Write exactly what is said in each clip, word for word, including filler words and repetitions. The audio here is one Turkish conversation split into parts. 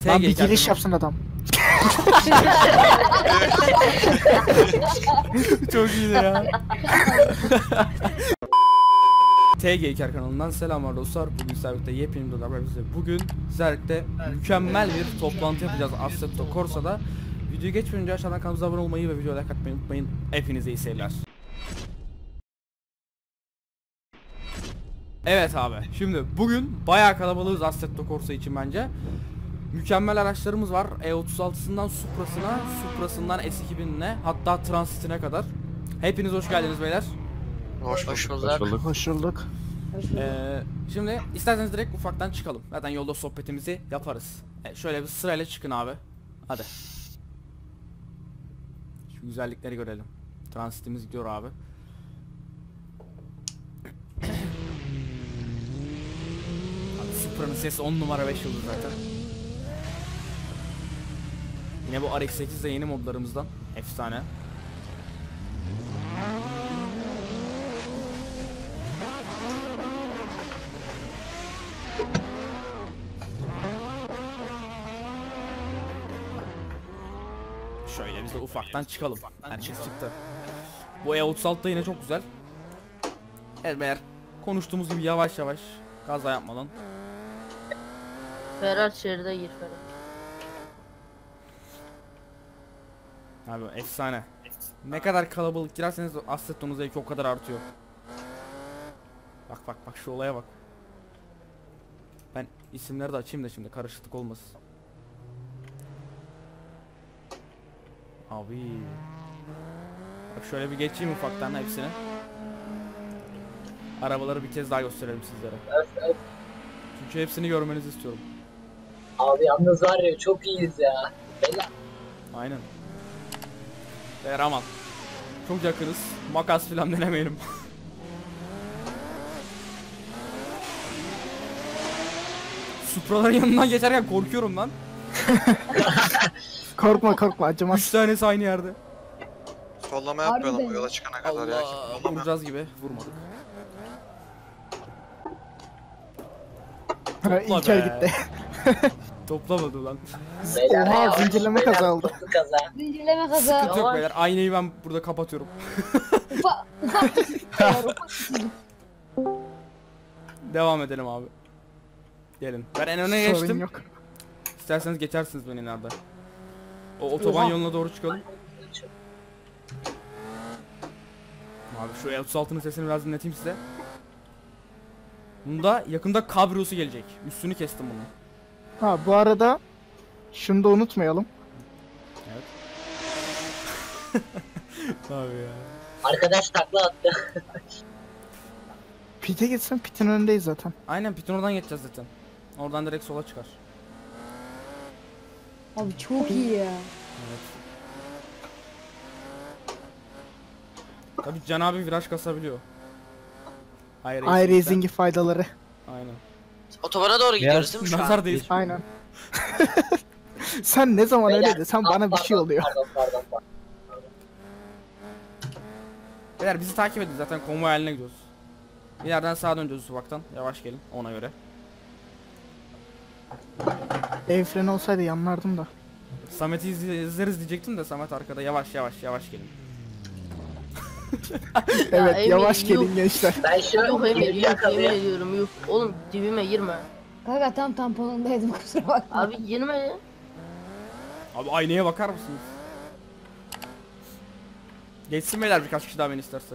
Lan bir giriş yapsın adam. Çok iyiydi ya. T G İker kanalından selamlar dostlar. Bugün sizlerle yepyeni bir videoda bize. Bugün sizlerle mükemmel bir toplantı yapacağız Assetto Corsa'da. Videoyu geçmeden önce aşağıdan kanalımıza abone olmayı ve videoya like atmayı unutmayın. Hepinize iyi seyirler. Evet abi. Şimdi bugün bayağı kalabalığız Assetto Corsa için bence. Mükemmel araçlarımız var. E otuz altısından Supra'sına, Supra'sından S iki bin'ine, hatta Transit'ine kadar. Hepiniz hoş geldiniz beyler. Hoş, hoş bulduk. Hoş bulduk. Hoş bulduk. Ee, şimdi isterseniz direkt ufaktan çıkalım. Zaten yolda sohbetimizi yaparız. Ee, şöyle bir sırayla çıkın abi. Hadi. Şu güzellikleri görelim. Transitimiz gidiyor abi. Abi Supra'nın sesi on numara beş yıldız zaten. Yine bu R X sekiz de yeni modlarımızdan. Efsane. Şöyle biz de ufaktan çıkalım. Herkes çıktı. Bu E otuz altı da yine çok güzel. Evet beyler, konuştuğumuz gibi yavaş yavaş, kaza yapmadan. Ferhat şeride gir Ferhat. Abi efsane. Ne kadar kalabalık girerseniz Assetto'nun zevki o kadar artıyor. Bak bak bak şu olaya bak. Ben isimleri de açayım da şimdi karışıklık olmasın. Abi. Bak şöyle bir geçeyim ufaktan hepsini. Arabaları bir kez daha gösterelim sizlere. Evet, evet. Çünkü hepsini görmenizi istiyorum. Abi yalnız var ya çok iyiyiz ya. Beyler. Aynen. Beyler aman. Çok yakınız. Makas filan denemeyelim. Supra'ların yanından geçerken korkuyorum lan. Korkma korkma acımaz. Üç tanesi aynı yerde. Sollama yapmayalım o yola çıkana kadar ya. Allah, vuracağız gibi vurmadık. İlker gitti. Toplamadı lan. Beyler, Oha, ya, zincirleme beyler, kaza oldu. toplu kaza. Zincirleme kaza. Sıkıntı yok beyler, aynayı ben burada kapatıyorum. Ufa, ufak. Devam edelim abi. Gelin. Ben en öne Sorun geçtim. yok. İsterseniz geçersiniz beni nerede. O otoban Oha. yoluna doğru çıkalım. Abi şu E otuz altının sesini biraz dinleteyim size. Bunda yakında kabriyosu gelecek. Üstünü kestim bunu. Ha bu arada şunu da unutmayalım. Evet. Abi ya. Arkadaş takla attı. Pit'e gitsin, Pit'in önündeyiz zaten. Aynen piton oradan geçeceğiz zaten. Oradan direkt sola çıkar. Abi çok iyi ya. Evet. Tabii Can abi viraj kasabiliyor. Hayır. iRacing'in faydaları. Aynen. Otobana doğru gidiyoruz değil mi şu an? Nazar değil. Aynen. Sen ne zaman Beyler, öyle de sen ah, bana bir şey pardon, oluyor. Pardon pardon pardon. Beyler bizi takip edin, zaten konvoy haline gidiyoruz. İleriden sağa döneceğiz ufaktan. Yavaş gelin ona göre. El freni olsaydı yanlardım da. Samet'i izle- izleriz diyecektim de Samet arkada, yavaş yavaş yavaş gelin. Evet Emir, yavaş yuh. gelin gençler. Ben şu Yok Emir, yeni yok yemin yakalayayım. ediyorum yok. Oğlum dibime girme. Kanka tam tamponundaydım kusura bakma. Abi girme. Abi aynaya bakar mısınız? Geçsin beyler birkaç kişi daha beni isterse.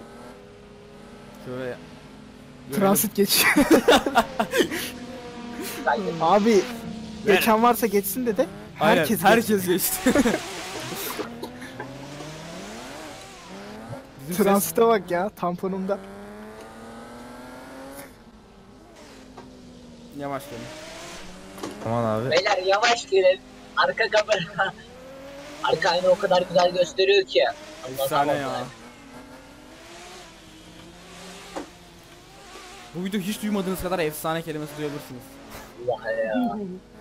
Şöyle görelim. Transit geç. Ben de- Abi geçen varsa geçsin dedi. Aynen, Herkes herkes, geçti. geçti. Bizim ses- Transit'e bak ya tamponumda. Yavaş gelin. Aman abi. Beyler yavaş girin. Arka kamera. Arka ayna o kadar güzel gösteriyor ki. Allah Efsane Allah. ya. Bu video hiç duymadığınız kadar efsane kelimesi duyabilirsiniz. Allah ya.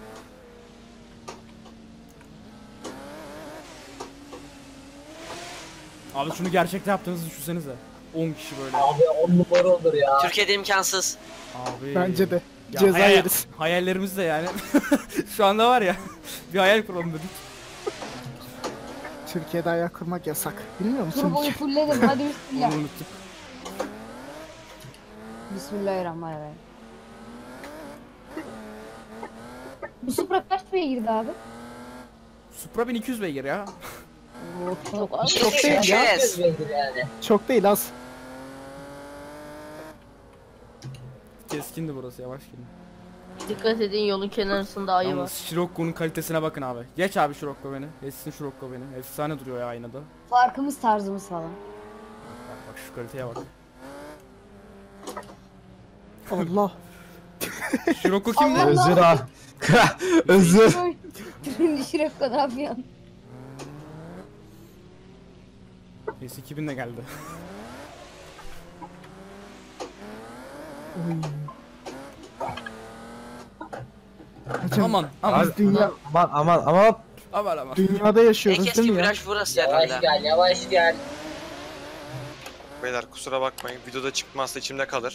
Abi şunu gerçekte yaptığınızı düşünsenize. on kişi böyle. Abi on numara olur ya. Türkiye'de imkansız. Abi. Bence de. Ya Ceza hayal- yeriz. Hayallerimiz de yani. Şu anda var ya. Bir hayal kuralım dedik. Türkiye'de ayak kurmak yasak. Bilmiyor musun? Turboyu fullledim. Hadi Onu bismillah. unuttuk. Bismillahirrahmanirrahim. Bu Supra kaç beygirdi abi? Supra bin iki yüz beygir ya. Oo, çok az. Çok değil ya. Yes. Yani. Çok değil az. Keskindi burası, yavaş gidin. Dikkat edin, yolun kenarında ayı var. Yalnız Scirocco'nun kalitesine bakın abi. Geç abi Scirocco beni. Geçsin Scirocco beni. Efsane duruyor ya aynada. Farkımız tarzımız falan. Bak bak şu kaliteye bak. Allah. Scirocco kimdi? Allah! Özür abi. Özür. Şimdi Şirek ne yapıyorsun? S iki bin de geldi. Oy. Hocam, Aman aman. Abi, dünya, aman aman aman. Aman aman. dünyada En yaşıyoruz keskin değil mi ya? viraj burası Yavaş herhalde. gel, yavaş gel. Beyler kusura bakmayın. Videoda çıkmazsa içimde kalır.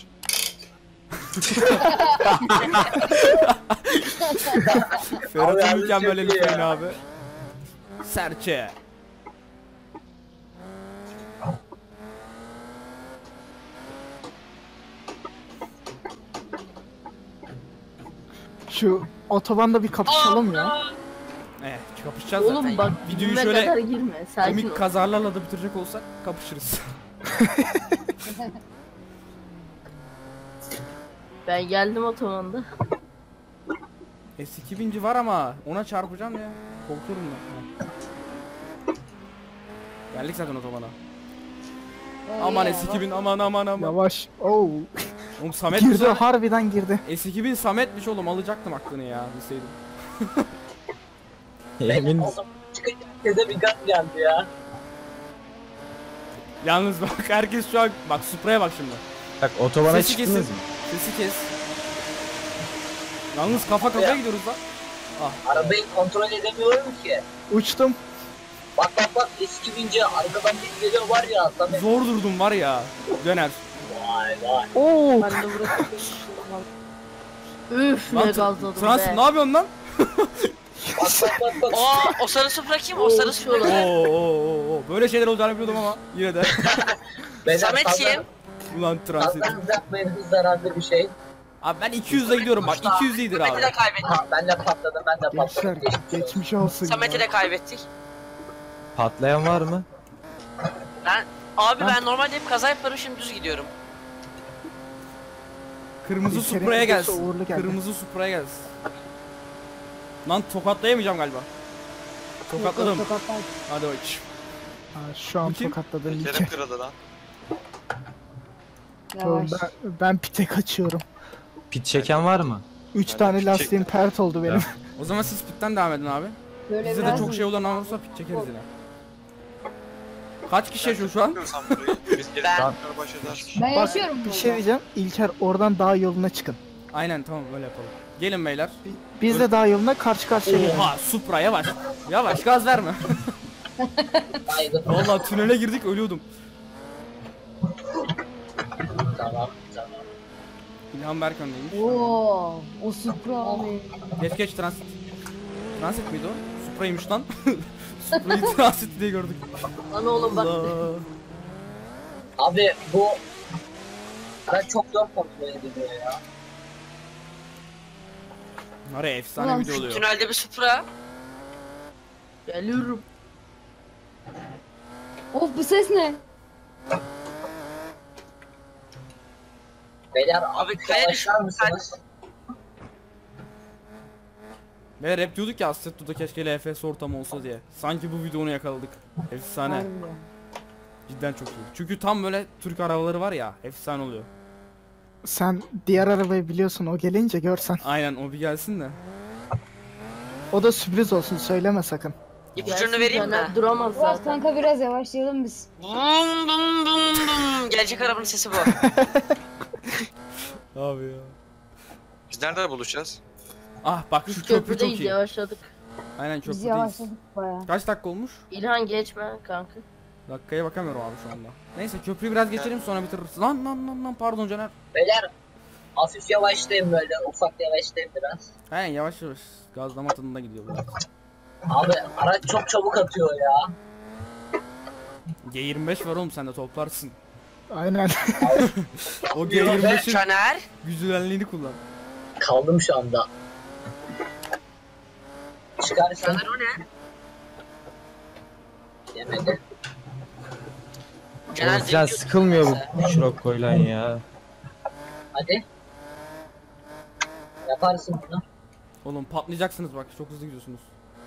Ferhat'ın yalnız mükemmel çok iyi eliflerini ya. abi. Serçe. Şu otobanda bir kapışalım ya. Eh kapışacağız zaten. Oğlum bak, Videoyu dibime şöyle kadar girme. Sakin ol. komik kazalarla da bitirecek olsak kapışırız. Ben geldim otobanda. S iki binci var ama ona çarpacağım ya. Korkuyorum ben. Geldik zaten otobana. Aman S iki bin, aman aman aman. Yavaş. Oo. Oğlum Samet Girdi, burada. harbiden girdi. S iki bin Samet'miş oğlum, alacaktım aklını ya bilseydim. Emin. Oğlum çıkınca herkese bir gaz geldi ya. Yalnız bak herkes şu an bak Supra'ya bak şimdi. Bak otobana Sesi çıktınız kesin. mı? Sesi kes. Yalnız kafa kafaya Ya. gidiyoruz lan. Arabayı kontrol edemiyorum ki. Uçtum. Bak bak bak eski bince arkadan bir geliyor var ya Samet. Zor durdum var ya. Döner. Vay vay. Oo. Ben de burası. Üf ne Lan gazladım Transit ne be. yapıyorsun lan? Bak bak bak bak. Aa, o sarı Supra kim? O sarı Supra Oo, kim? oo, oo, oo. Böyle şeyler olacağını biliyordum ama yine de. Beyler, Samet sazlar- kim? Ulan Transit. Sazlarınızı yapmayın, hız zararlı bir şey. Abi ben iki yüzle gidiyorum bak, iki yüz iyidir abi. Samet'i de kaybettik. Ha, ben de patladım ben de Gençler patladım. Geçmiş olsun. geçmiş olsun Samet'i ya. de kaybettik. Patlayan var mı? Ben abi Ben- ben normalde hep kaza yaparım, şimdi düz gidiyorum. Kırmızı İlker'in Supra'ya videosu gelsin. uğurlu geldi. Kırmızı Supra'ya gelsin. Lan tokatlayamayacağım galiba. Tokatladım. Tokatlar. Hadi bakayım. Ha, şu an Bu kim? tokatladım Terim İlker. kırıldı lan. Yavaş. Ben, ben pite kaçıyorum. Pit çeken var mı? Üç Ben tane de lastiğim çektim. pert oldu benim. O zaman siz pitten devam edin abi. Böyle Bize de biraz çok şey olan olursa pit çekeriz yine. Kaç kişi yaşıyor şu an? Bilmiyorum sen burayı. Biz gelip Ben- tekrar baş edersin. Ben Bak yaşıyorum bir burada. şey diyeceğim. İlker oradan dağ yoluna çıkın. Aynen tamam öyle yapalım. Gelin beyler. Biz de dağ yoluna karşı karşıya gelelim. Oha Supra yavaş. Yavaş gaz verme. Haydi. Vallahi tünele girdik ölüyordum. Tamam tamam. İlhan Berk öndeymiş. Oo, o Supra abi. Geç geç transit. Transit miydi o? Supra'ymış lan. Supra'yı transit diye gördük. Lan oğlum bak. Allah. Abi bu ben çok zor kontrol ediliyor ya. Nereye efsane Ulan video oluyor. Tünelde bir Supra. Geliyorum. Of bu ses ne? Beyler Abi abi kaya yavaşlar mısınız? Ve hep diyorduk ya Assetto'da keşke L F S ortamı olsa diye. Sanki bu videonu yakaladık. Efsane. Harbiden. Cidden çok iyi. Çünkü tam böyle Türk arabaları var ya, efsane oluyor. Sen diğer arabayı biliyorsun, o gelince görsen. Aynen o bir gelsin de. O da sürpriz olsun, söyleme sakın. İpucunu vereyim mi? Caner Duramaz Biraz zaten. kanka biraz yavaşlayalım biz. Bum bum bum bum. Gelecek arabanın sesi bu. Abi ya. Biz nerede buluşacağız? Ah bak şu Biz köprü çok köprüdeyiz, iyi. yavaşladık. Aynen Biz köprüdeyiz. yavaşladık baya. Kaç dakika olmuş? İlhan geçme kanka. Dakikaya bakamıyorum abi şu anda. Neyse köprüyü biraz geçelim sonra bitiririz. Lan lan lan lan pardon Caner. Beyler hafif yavaşlayayım böyle. Ufak yavaşlayayım biraz. He yavaş yavaş gazlama tadında gidiyor biraz. Abi araç çok çabuk atıyor ya. G yirmi beş var oğlum, sen de toplarsın. Aynen. O G yirmi beşin Caner. güzelliğini kullan. Kaldım şu anda. Çıkarsan Caner o ne? yemedi. Caner Oğlum sen zengin- sıkılmıyor bu Şirokko'yla ya. Hadi. Yaparsın bunu. Oğlum patlayacaksınız bak, çok hızlı gidiyorsunuz.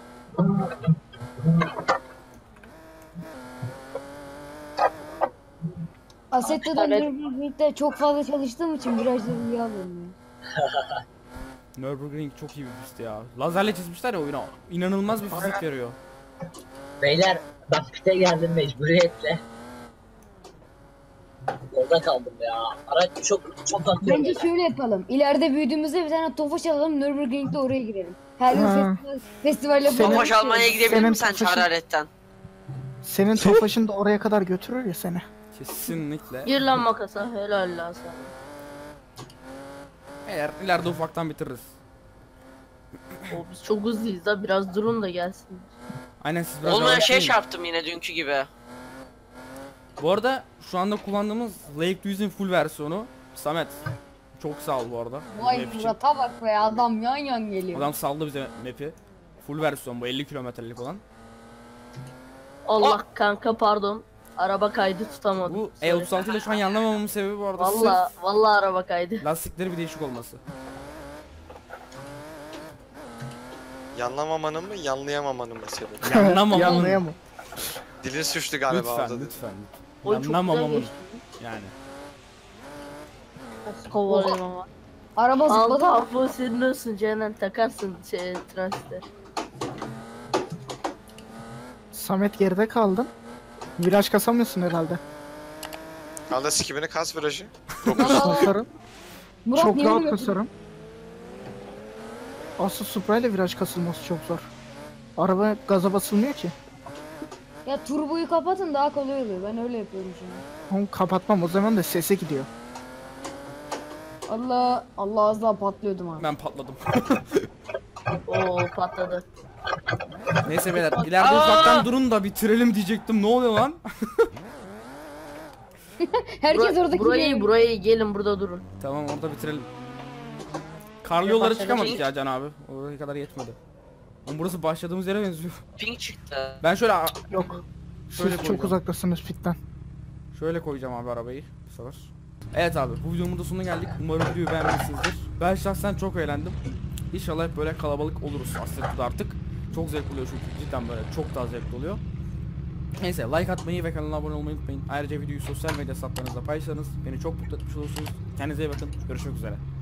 Assetto'da Nürburgring'de çok fazla çalıştığım için virajları iyi alıyorum ya. Nürburgring çok iyi bir pist ya. Lazerle çizmişler ya oyuna. İnanılmaz bir fizik veriyor. Beyler ben pite geldim mecburiyetle. Yolda kaldım ya. Araç çok çok atıyor. Bence şöyle yapalım. İleride büyüdüğümüzde bir tane Tofaş alalım, Nürburgring'de oraya girelim. Her yıl Ha. festival, festival yapalım. Senin- Tofaş almaya gidebilir Senin misin sen Tofaş'ın- Çağrı'dan? Senin Tofaş'ın da oraya kadar götürür ya seni. Kesinlikle. Gir lan makasa, helal lan sana. Eğer ileride ufaktan bitiririz. O biz çok hızlıyız da biraz durun da gelsin. Aynen, siz biraz Olmayan şey yavaşlayın. çarptım yine dünkü gibi. Bu arada şu anda kullandığımız Lake Duiz'in full versiyonu. Samet çok sağ ol bu arada. Vay Map için. Murat'a bak be, adam yan yan geliyor. Adam saldı bize map'i. Full versiyon bu, elli kilometrelik olan. Allah kanka pardon. Araba kaydı tutamadım. Bu Sorry. E otuz altı ile şu an yanlamamamın sebebi bu arada Valla valla araba kaydı. sırf lastikleri bir değişik olması. Yanlamamanın mı, yanlayamamanın mı sebebi? Yanlamamamın. Yanlayamam. Dilin sürçtü galiba Lütfen orada. lütfen. Oy çok güzel Yanlamamamın. geçti. Yani. Kovalayayım ama. Araba zıpladı. Allah bu senin olsun Ceylan, takarsın şey transite. Samet geride kaldın. Viraj kasamıyorsun herhalde. Kalda sikimini kas virajı. Kasarım. Murat Çok niye rahat vuruyor? kasarım. Asıl Supra ile viraj kasılması çok zor. Araba gaza basılmıyor ki. Ya turboyu kapatın, daha kolay oluyor. Ben öyle yapıyorum şimdi. Onu kapatmam, o zaman da sese gidiyor. Allah Allah, az daha patlıyordum abi. Ben patladım. Oo patladı. Neyse beyler, ileride ufaktan durun da bitirelim diyecektim. Ne oluyor lan? Herkes Bura- oradaki burayı yere- burayı gelin burada durun. Tamam, orada bitirelim. Karlı yollara başladı. çıkamadık ya Can abi. Oraya kadar yetmedi. Ama burası başladığımız yere benziyor. Ping çıktı. Ben şöyle Yok. Şöyle Siz çok koyacağım. uzaktasınız pitten. şöyle koyacağım abi arabayı bu sefer. Evet abi, bu videonun da sonuna geldik. Umarım videoyu beğenmişsinizdir. Ben şahsen çok eğlendim. İnşallah hep böyle kalabalık oluruz Assetto'da artık. Çok zevkli oluyor çünkü cidden böyle çok daha zevkli oluyor. Neyse, like atmayı ve kanala abone olmayı unutmayın. Ayrıca videoyu sosyal medya hesaplarınızda paylaşırsanız beni çok mutlu etmiş olursunuz. Kendinize iyi bakın. Görüşmek üzere.